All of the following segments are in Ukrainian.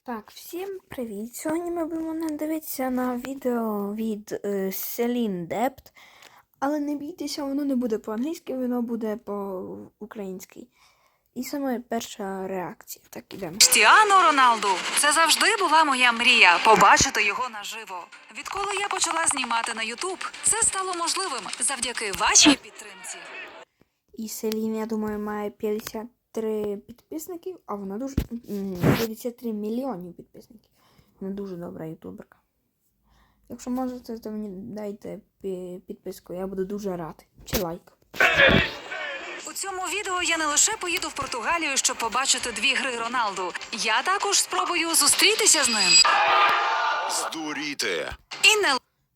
Так, всім привіт! Сьогодні ми будемо дивитися на відео від Селін Депт. Але не бійтеся, воно не буде по-англійськи, воно буде по-українськи. І саме перша реакція. Так, ідемо. Крістіану Роналду. Це завжди була моя мрія – побачити його наживо. Відколи я почала знімати на Ютуб, це стало можливим завдяки вашій підтримці. І Селін, я думаю, має 53 підписників, а вона дуже... 53 мільйонів підписників. Вона дуже добра ютуберка. Якщо можете, то мені дайте підписку, я буду дуже радий. Чи лайк. У цьому відео я не лише поїду в Португалію, щоб побачити 2 гри Роналду. Я також спробую зустрітися з ним. Здуріти. І не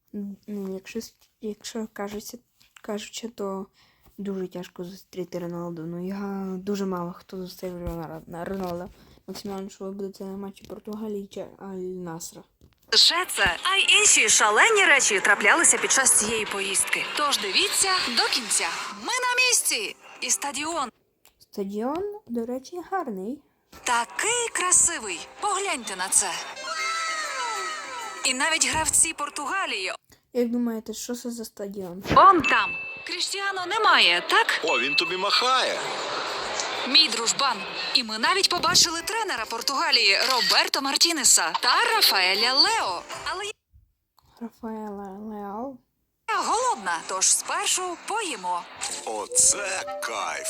Якщо кажучи, то дуже тяжко зустріти Роналду. Ну, я дуже мало хто зустрів Роналда. Максимально, що ви будете на матчі Португалії чи Аль-Насра. лише це, а й інші шалені речі траплялися під час цієї поїздки. Тож дивіться до кінця. Ми на місці! І стадіон Стадіон, до речі, гарний. такий красивий. Погляньте на це. І навіть гравці Португалії. Як думаєте, що це за стадіон? Он там. Крістіану немає, так? О, він тобі махає. Мій дружбан. І ми навіть побачили тренера Португалії Роберто Мартінеса та Рафаеля Лео. Але Рафаела Леал. я голодна, тож спершу поїмо. Оце кайф.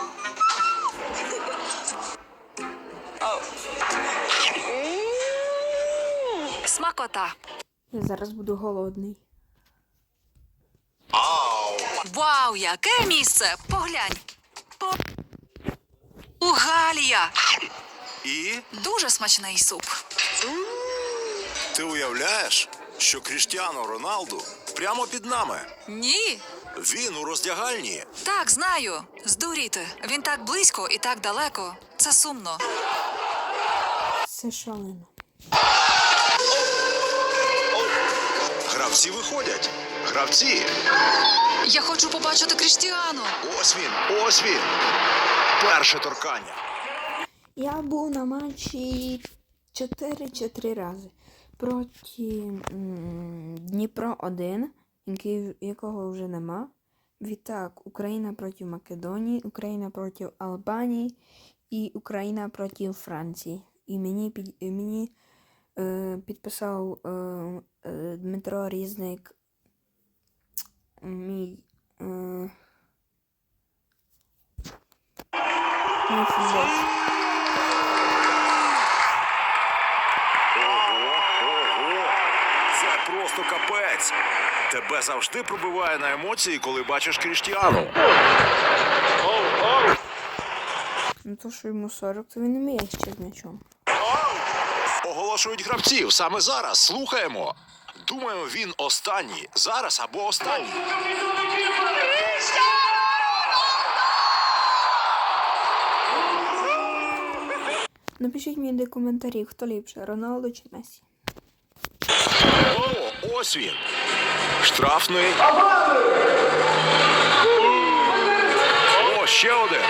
Смакота. Я зараз буду голодний. Ау! Вау, яке місце! Поглянь. Португалія. І Дуже смачний суп. ти уявляєш, що Кріштіану Роналду прямо під нами. Ні. Він у роздягальні. Так, знаю. Здуріти. Він так близько і так далеко. Це сумно. Це шалено. Гравці виходять. Гравці. Я хочу побачити Крістіану. Ось він, ось він. Перше торкання. Я був на матчі 4 рази проти Дніпро 1, якого вже нема. Відтак, Україна проти Македонії, Україна проти Албанії і Україна проти Франції. І мені підписав Дмитро Різник, мій футбол. Ого. Це просто капець. Тебе завжди пробиває на емоції, коли бачиш Кріштіану. Ну то, що йому 40, то він не вміє ще з м'ячом. Оголошують гравців саме зараз. Слухаємо. Думаю, він останній. Зараз або останній. Напишіть мені до коментарів, хто ліпше, Роналдо чи Месі. О, ось він. Штрафний. О, ще один.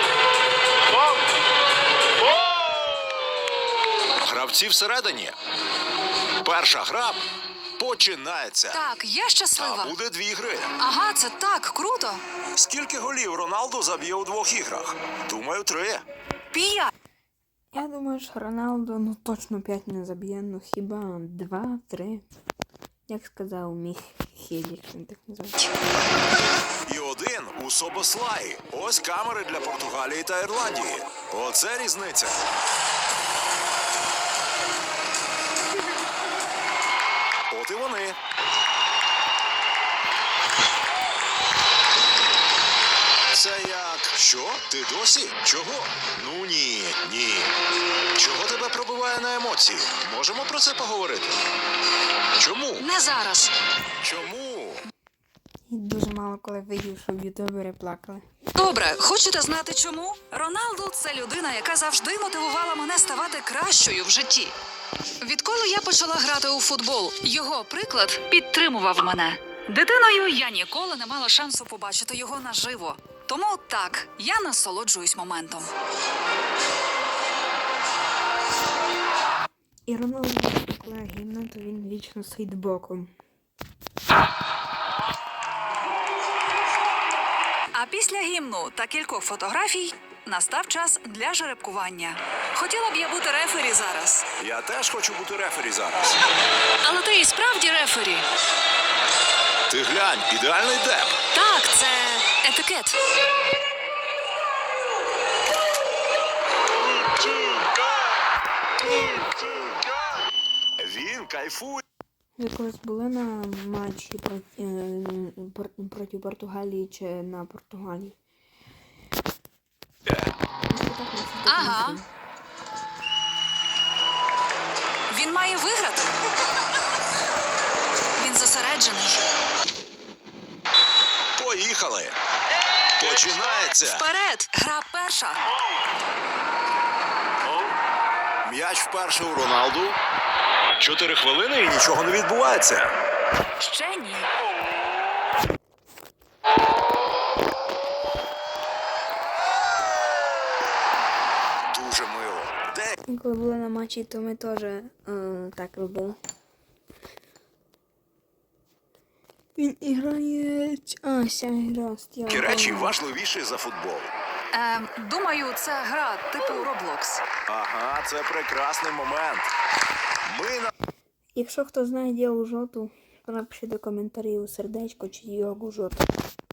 Гравці всередині. Перша гра починається. Так, я щаслива. А буде 2 гри. Ага, це так круто. Скільки голів Роналду заб'є у 2 іграх? Думаю, 3. 5. Я думаю, що Роналдо точно 5 не заб'є, хіба 2-3. Як сказав мій Хелік, він так називається. І 1 у Собослаї. Ось камери для Португалії та Ірландії. Оце різниця. От і вони. Це як? Що? Ти досі? Чого? Ну ні. Чого тебе пробиває на емоції? Можемо про це поговорити? Чому? Не зараз. Чому? І дуже мало коли видів, щоб ютубери плакали. Добре, хочете знати чому? Роналду – це людина, яка завжди мотивувала мене ставати кращою в житті. Відколи я почала грати у футбол, його приклад підтримував мене. Дитиною я ніколи не мала шансу побачити його наживо. Тому так, я насолоджуюсь моментом. І Роналду, коли гімна, то він вічно стоїть боком. А після гімну та кількох фотографій настав час для жеребкування. Хотіла б я бути рефері зараз. Я теж хочу бути рефері зараз. Але ти і справді рефері. Ти глянь, ідеальний деп. Так, це етикет. Він кайфує. Ви колись були на матчі проти Португалії чи на Португалії? Ага. Він має виграти. Він зосереджений. Поїхали. Починається. Вперед! Гра перша. М'яч вперше у Роналду. 4 хвилини і нічого не відбувається. Ще ні. Дуже мило. Де? Коли були на матчі, то ми теж так робили. Він грає... А, ця гра стіла. Які речі важливіші за футбол. Думаю, це гра типу Roblox. Ага, це прекрасний момент. Ми на... Якщо хто знає ділу жоту, то напишіть до коментарів сердечко чи йогу жоту.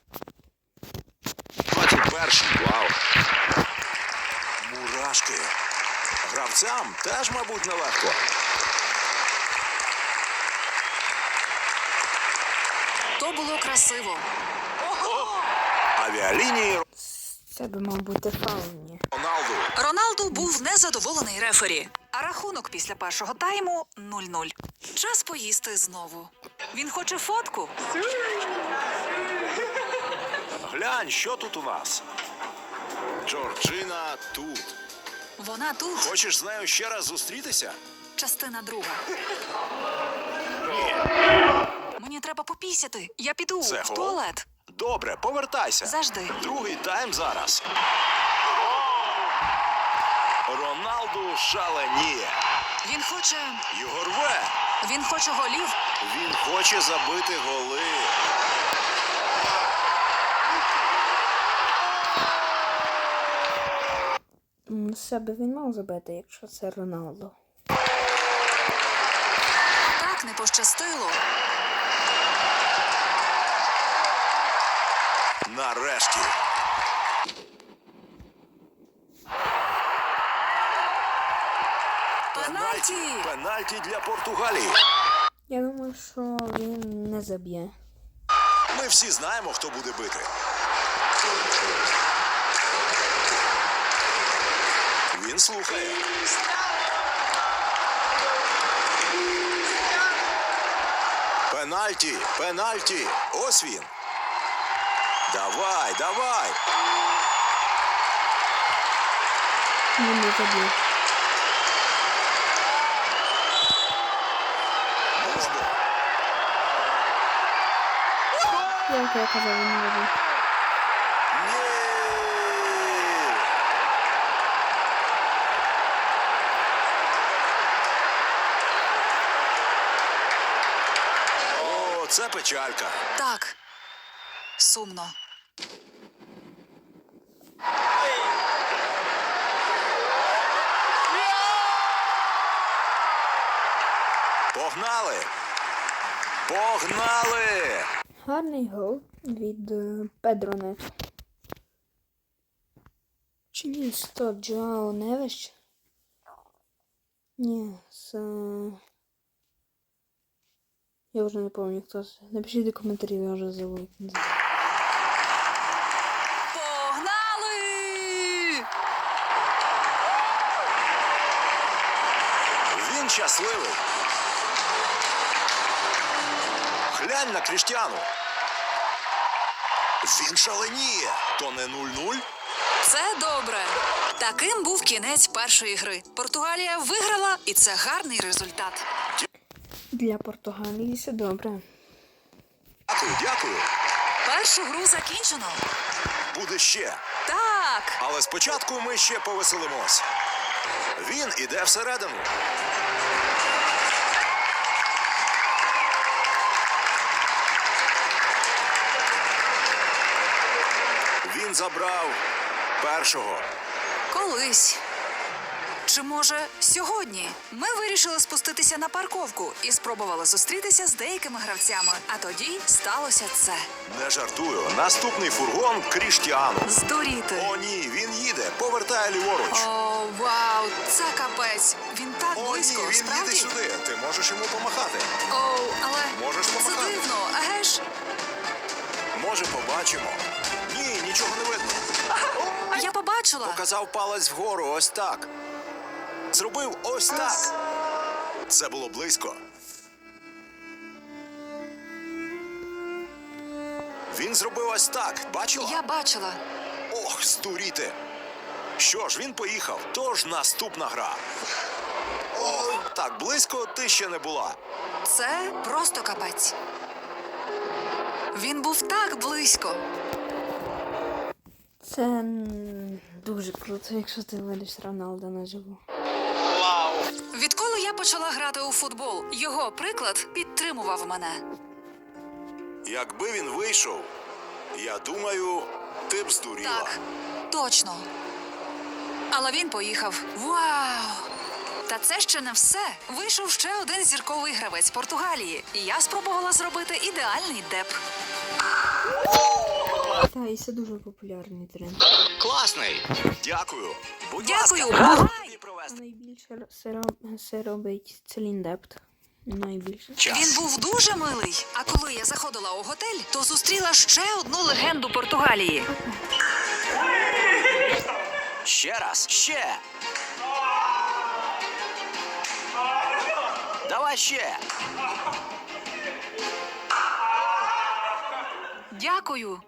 21-й. Вау. Мурашки. Гравцям теж, мабуть, нелегко. То було красиво. Авіалінії Це би мав бути фаул, ні. Роналду. Роналду був незадоволений рефері. А рахунок після першого тайму 0-0. Час поїсти знову. Він хоче фотку. Глянь, що тут у нас. Джорджина тут. Вона тут. Хочеш з нею ще раз зустрітися? Частина друга. Ні. Мені треба попісяти. Я піду Це в гол? туалет. Добре, повертайся. Завжди. Другий тайм зараз. Роналду шаленіє. Він хоче... Його рве. Він хоче голів. Він хоче забити голи. Себе він мав забити, якщо це Роналдо. Так не пощастило. Нарешті. Пенальті! Пенальті для Португалії. Я думаю, що він не заб'є. Ми всі знаємо, хто буде бити. Він слухає. Пенальті, пенальті. Ось він. Давай, давай. Він не заб'є. Можна. Як я казав, він не заб'є. Ні. О, це печалька. Так. Сумно. Погнали! Погнали! Гарний гол від Педро Нето. Чи ні, стоп, Джоао Невеш? Ні, я вже не пам'ятаю, хто це. Напишіть до коментарів, я вже забув. Погнали! Він щасливий. Глянь на Кріштіану. Він шаленіє. То не 0-0? Це добре. Таким був кінець першої гри. Португалія виграла, і це гарний результат. Для Португалії все добре. Дякую, дякую. Першу гру закінчено. Буде ще. Так. Але спочатку ми ще повеселимось. Він іде всередину. він забрав першого. Колись. Чи може сьогодні? Ми вирішили спуститися на парковку і спробували зустрітися з деякими гравцями. А тоді сталося це. Не жартую. Наступний фургон Кріштіану. Здуріти. О, ні, він їде, повертає ліворуч. О, вау, це капець. Він так О, близько, ні, він їде справді? сюди. Ти можеш йому помахати. Оу, але Можеш це помахати. дивно, еге ж? Може, побачимо. Ні, нічого не видно. Я побачила. Показав палець вгору, ось так. Зробив ось так. Це було близько. Він зробив ось так. Бачила? Я бачила. Ох, здуріти. Що ж, він поїхав. Тож наступна гра. О, так близько ти ще не була. Це просто капець. Він був так близько. Це дуже круто, якщо ти видиш Роналда наживо. Відколи я почала грати у футбол, його приклад підтримував мене. Якби він вийшов, я думаю, ти б здуріла. Так, точно. Але він поїхав. Вау! Та це ще не все. Вийшов ще один зірковий гравець Португалії. І я спробувала зробити ідеальний деп. Та, і це дуже популярний тренд. Класний. Дякую. Будь Дякую. ласка. Бувай. Тобі провести. Найбільше це робить Целін Депт. Найбільше. Він був дуже милий. А коли я заходила у готель, то зустріла ще одну легенду Португалії. Ще раз, ще. Давай ще. Дякую.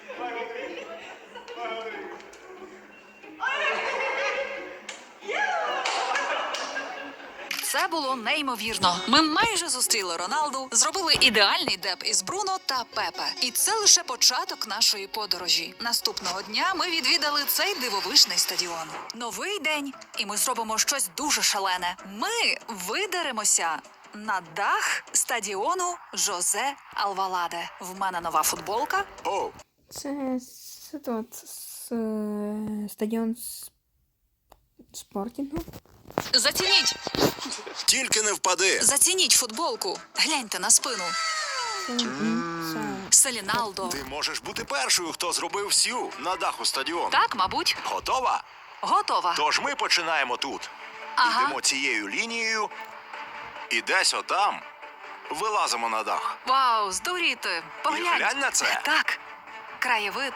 Це було неймовірно. Ми майже зустріли Роналду, зробили ідеальний деп із Бруно та Пепе. І це лише початок нашої подорожі. Наступного дня ми відвідали цей дивовижний стадіон. Новий день, і ми зробимо щось дуже шалене. Ми видеремося на дах стадіону Жозе Алваладе. В мене нова футболка. О, Це стадіон спортінгу. Зацініть! тільки не впади. Зацініть футболку. Гляньте на спину. Це Селіналдо. Ти можеш бути першою, хто зробив сю на даху стадіону. Так, мабуть. Готова? Готова. Тож ми починаємо тут. Ага. Йдемо цією лінією і десь отам вилазимо на дах. Вау, здуріти. Поглянь. глянь на це. Так. Краєвид.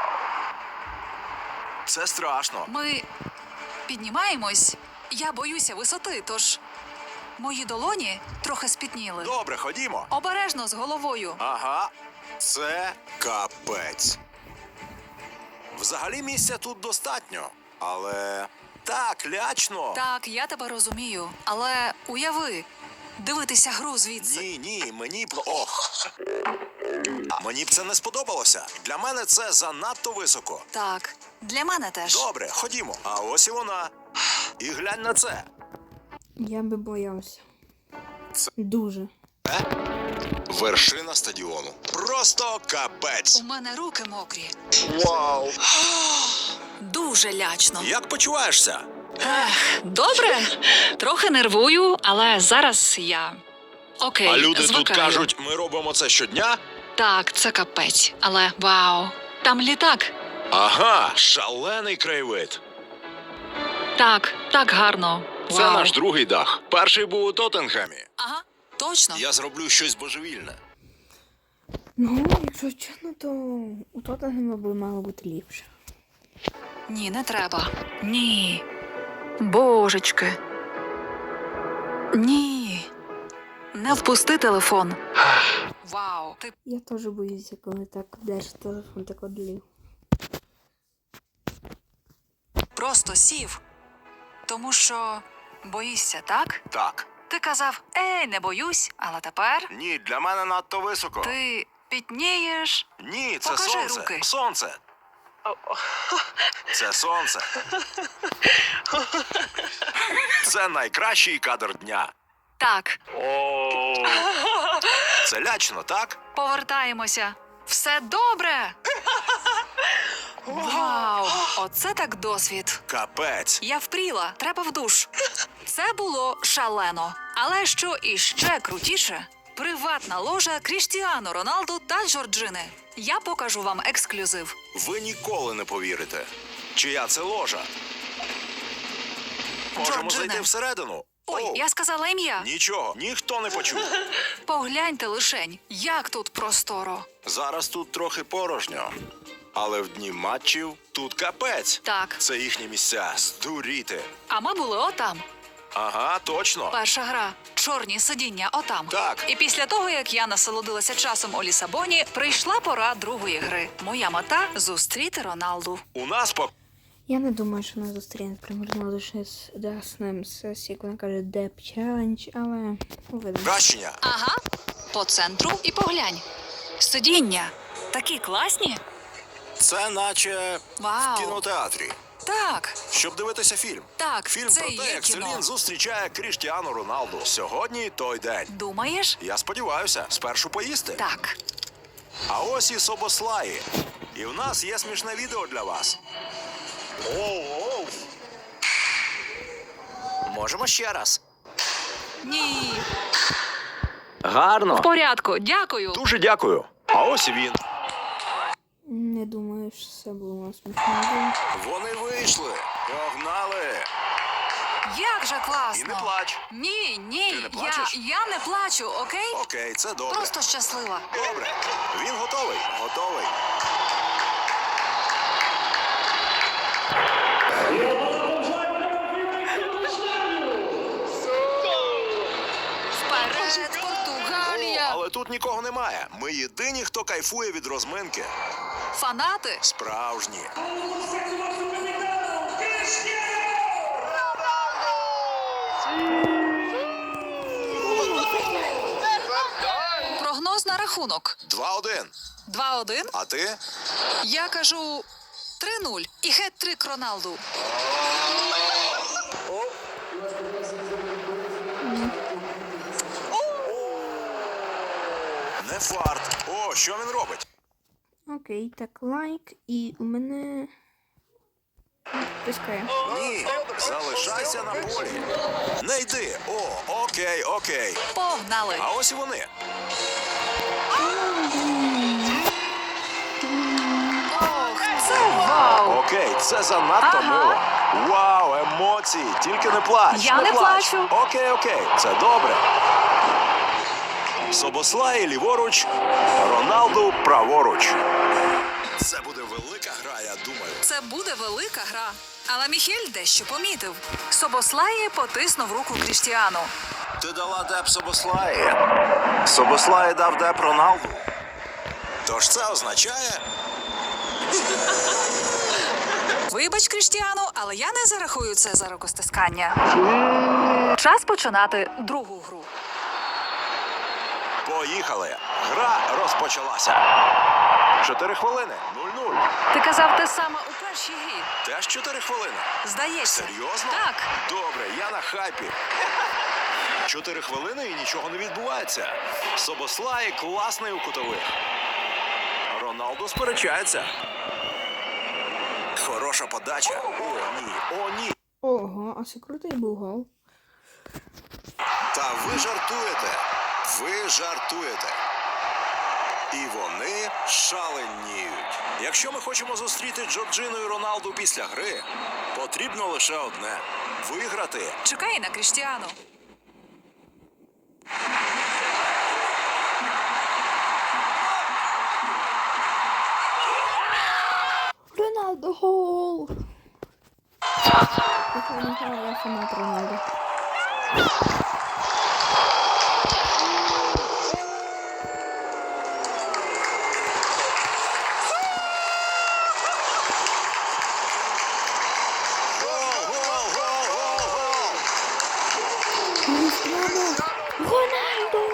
Це страшно. Ми піднімаємось. Я боюся висоти, тож мої долоні трохи спітніли. Добре, ходімо. Обережно з головою. Ага, це капець. Взагалі місця тут достатньо, але так лячно. Так, я тебе розумію. Але уяви, дивитися гру звідси. Ні, мені б... Ох. Мені б це не сподобалося. Для мене це занадто високо. Так, для мене теж. Добре, ходімо. А ось і вона. І глянь на це. я би боявся. Це- Дуже. Вершина стадіону. Просто капець. У мене руки мокрі. Вау. Дуже лячно. Як почуваєшся? Добре. Трохи нервую, але зараз я. Окей, А люди звикаю. тут кажуть, ми робимо це щодня? Так, це капець. Але вау, там літак. Ага, шалений краєвид. Так, так гарно. Це Вау. наш другий дах. Перший був у Тоттенхемі. Ага, точно. Я зроблю щось божевільне. Ну, якщо чесно, то у Тоттенгема би мало бути ліпше. Ні, не треба. Ні. Божечки. Ні. Не впусти телефон. Вау, ти Я теж боюся, коли так держиш телефон, так одлів. просто сів. Тому що боїшся, так? Так. Ти казав, не боюсь, але тепер Ні, для мене надто високо. ти пітнієш. Ні, це Покажи сонце. руки. Сонце. Це сонце. Це найкращий кадр дня. Так, Це лячно, так? повертаємося. Все добре. Вау! Оце так досвід. Капець. Я впріла, треба в душ. Це було шалено. Але що іще крутіше? Приватна ложа Кріштіану Роналду та Джорджини. Я покажу вам ексклюзив. Ви ніколи не повірите. Чия це ложа? Можемо Джорджине. зайти всередину. Ой, Оу. я сказала ім'я. Нічого, ніхто не почув. Погляньте лишень, як тут просторо. Зараз тут трохи порожньо. Але в дні матчів тут капець. Так, Це їхні місця. Здуріти. а ми були отам. Ага, точно. Перша гра. Чорні сидіння отам. Так. І після того, як я насолодилася часом у Лісабоні, прийшла пора другої гри. Моя мета – зустріти Роналду. У нас по Я не думаю, що вона зустріне примерно лише з Даснем сесії, як вона каже Деп Челендж, але увидимо. кращення. Ага, по центру і поглянь. Сидіння. Такі класні. Це наче Вау. в кінотеатрі. Так, Щоб дивитися фільм. так, Фільм це про і те, є як кіно. Селін зустрічає Кріштіану Роналду. Сьогодні той день. Думаєш? Я сподіваюся, спершу поїсти. Так. А ось і Собослаї. І в нас є смішне відео для вас. Оу. Можемо ще раз. Ні. Гарно. В порядку, дякую. Дуже дякую. А ось і він. Не думаю, що це було смішно. Вони вийшли. Погнали. Як же класно. І не плач. Ні, ні, Ти не плачеш? я не плачу, окей? Окей, це добре. Просто щаслива. Добре. Він готовий. Готовий. Вперед, О, Португалія! але тут нікого немає. Ми єдині, хто кайфує від розминки. Фанати! Справжні. Прогноз на рахунок. 2-1. 2-1. А ти? Я кажу 3-0 і хет-трик Роналду. Не фарт. О, що він робить? Окей, так, лайк, і у мене... Пискає. Ні, залишайся на полі. Не йди. О, окей, окей. Погнали! А ось і вони. Ох, це вау! Окей, це занадто Ага. мило. Вау, емоції. Тільки не плач. Я не плач. плачу. Окей, окей, це добре. Собослаї ліворуч, Роналду праворуч. Це буде велика гра, я думаю. Це буде велика гра. Але Міхель дещо помітив. Собослає потиснув руку Кріштіану. Ти дала деп Собослаї. Собослаї дав деп Роналду. Тож це означає... Вибач, Кріштіану, але я не зарахую це за рукостискання. Час починати другу гру. Поїхали. Гра розпочалася. 4 хвилини. 0-0. Ти казав те саме у першій грі. Теж 4 хвилини. Здається. Серйозно? Так. Добре, я на хайпі. 4 хвилини і нічого не відбувається. Собослаї класний у кутових. Роналду сперечається. Хороша подача. О, ні. О, ні. Ого, а це крутий був гол. Та ви жартуєте. Ви жартуєте. І вони шаленіють. Якщо ми хочемо зустріти Джорджину і Роналду після гри, потрібно лише одне – виграти. Чекай на Кріштіану. Роналдо гол! Я фанат Роналдо. Гол, гол, гол, гол, гол! Роналдо! Роналдо!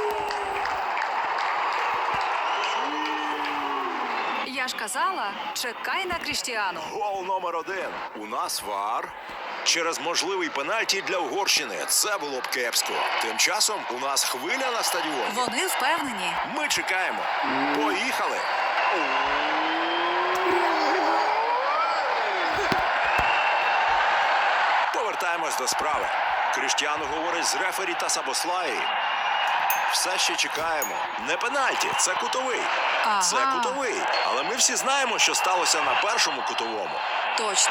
Я ж казала, чекай на Кріштіану. Гол номер 1. У нас ВАР. Через можливий пенальті для Угорщини. Це було б кепсько. Тим часом у нас хвиля на стадіоні. Вони впевнені. Ми чекаємо. Поїхали. Повернемось до справи. Кріштіану говорить з рефері та Сабослаї. Все ще чекаємо. Не пенальті, це кутовий. Ага. Це кутовий. Але ми всі знаємо, що сталося на першому кутовому. Точно.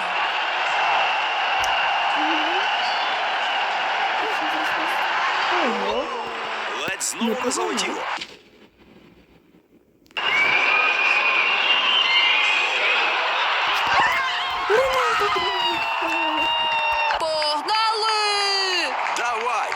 Ого. Ледь знову не залетіло. Погнали! Давай!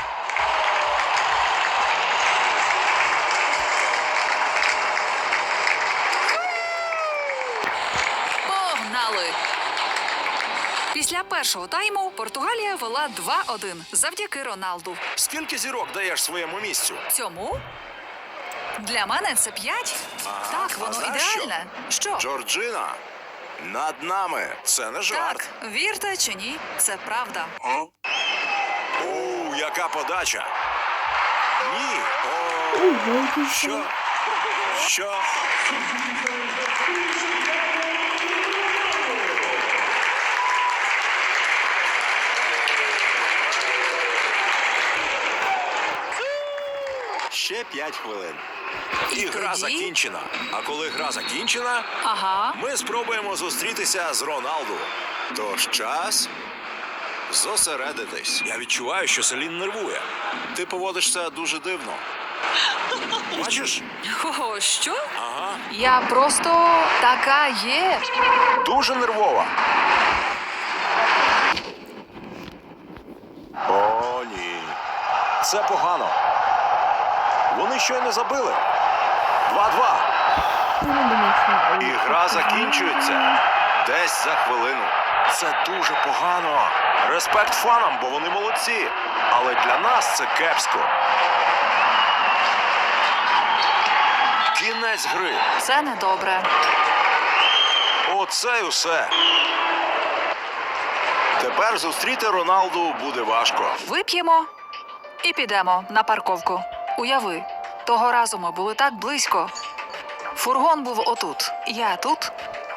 Погнали! Після першого тайму Португалія вела 2-1 завдяки Роналду. Скільки зірок даєш своєму місцю? Цьому? Для мене це 5. Ага. Так, А воно знаєш що? ідеальне. Що? Джорджина, над нами. Це не жарт. Так, вірте чи ні, це правда. Оу, яка подача. Ні. О, Ого, що? Що? Ще 5 хвилин. І гра тоді? закінчена. А коли гра закінчена, Ага. ми спробуємо зустрітися з Роналду. Тож час зосередитись. Я відчуваю, що Селін нервує. Ти поводишся дуже дивно. Бачиш? О, що? Ага. Я просто така є. Дуже нервова. О, ні. Це погано. Вони щойно забили. 2-2. Я не думаю, що... І гра закінчується десь за хвилину. Це дуже погано. Респект фанам, бо вони молодці. Але для нас це кепсько. Кінець гри. Це недобре. Оце й усе. Тепер зустріти Роналду буде важко. Вип'ємо і підемо на парковку. Уяви, того разу ми були так близько. Фургон був отут, я тут.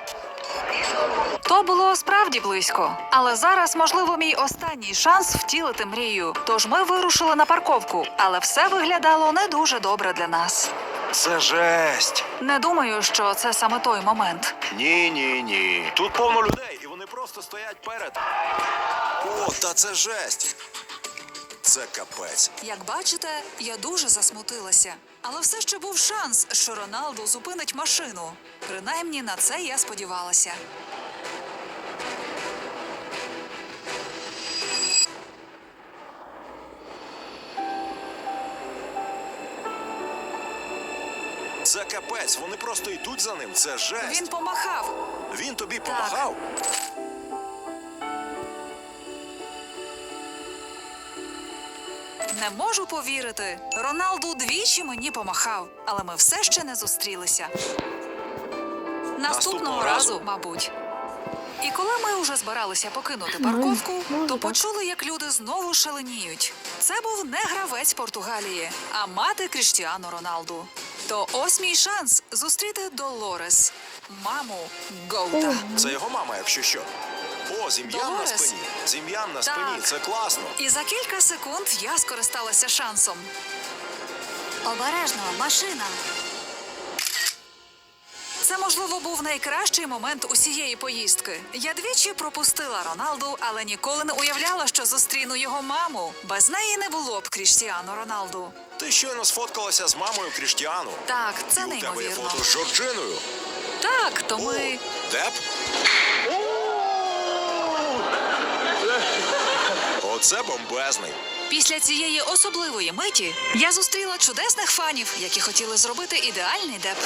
То було справді близько. Але зараз, можливо, мій останній шанс втілити мрію. Тож ми вирушили на парковку, але все виглядало не дуже добре для нас. Це жесть. Не думаю, що це саме той момент. Ні. Тут повно людей, і вони просто стоять перед. О, та це жесть. Це капець. Як бачите, я дуже засмутилася. Але все ще був шанс, що Роналду зупинить машину. Принаймні на це я сподівалася. Це капець, вони просто йдуть за ним. Це жесть. Він помахав. Він тобі помагав? Не можу повірити. Роналду двічі мені помахав, але ми все ще не зустрілися. Наступного разу, мабуть. І коли ми вже збиралися покинути парковку, може, то так. почули, як люди знову шаленіють. Це був не гравець Португалії, а мати Кріштіану Роналду. То ось мій шанс зустріти Долорес, маму Гоута. Це його мама, якщо що. О, зім'ян на Долорес? спині. Зім'ян на спині, Так. це класно. І за кілька секунд я скористалася шансом. Обережно, машина. Це, можливо, був найкращий момент усієї поїздки. Я двічі пропустила Роналду, але ніколи не уявляла, що зустріну його маму. Без неї не було б Кріштіану Роналду. Ти щойно сфоткалася з мамою Кріштіану. Так, це І у тебе є неймовірно. фото з Жорджиною. Так, то ми... О, Деп? Оце бомбезний. Після цієї особливої миті я зустріла чудесних фанів, які хотіли зробити ідеальний деп.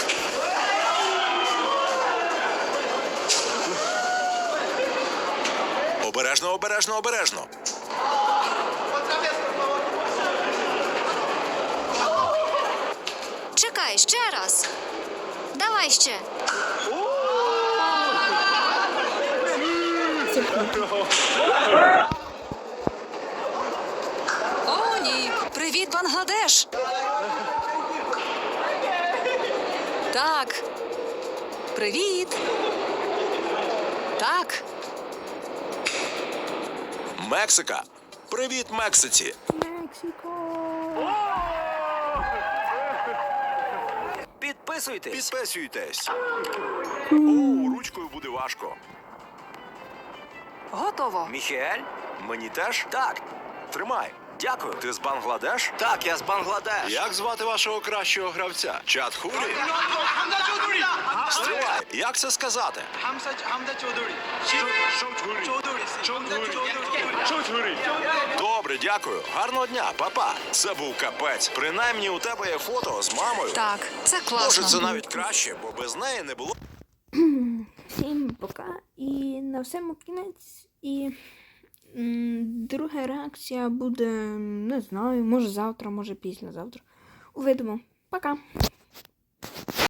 Обережно, обережно, обережно. Чекай, ще раз. Давай ще. О, ні! Привіт, Бангладеш! Так. Привіт. Так. Мексика. Привіт, Мексиці! Мексико! Підписуйтесь. Підписуйтесь. О, ручкою буде важко. Готово. Міхель? Мені теж? Так. Тримай. Дякую. Ти з Бангладеш? Так, я з Бангладеш. Як звати вашого кращого гравця? Чат Хурі? Стривай, як це сказати? Добре, дякую. Гарного дня, папа. Це був капець. Принаймні у тебе є фото з мамою. Так, це Може, класно. це навіть краще, бо без неї не було. Всім пока. І на всьому кінець. І друга реакція буде, не знаю, може завтра, може післязавтра. Увидимо. Пока.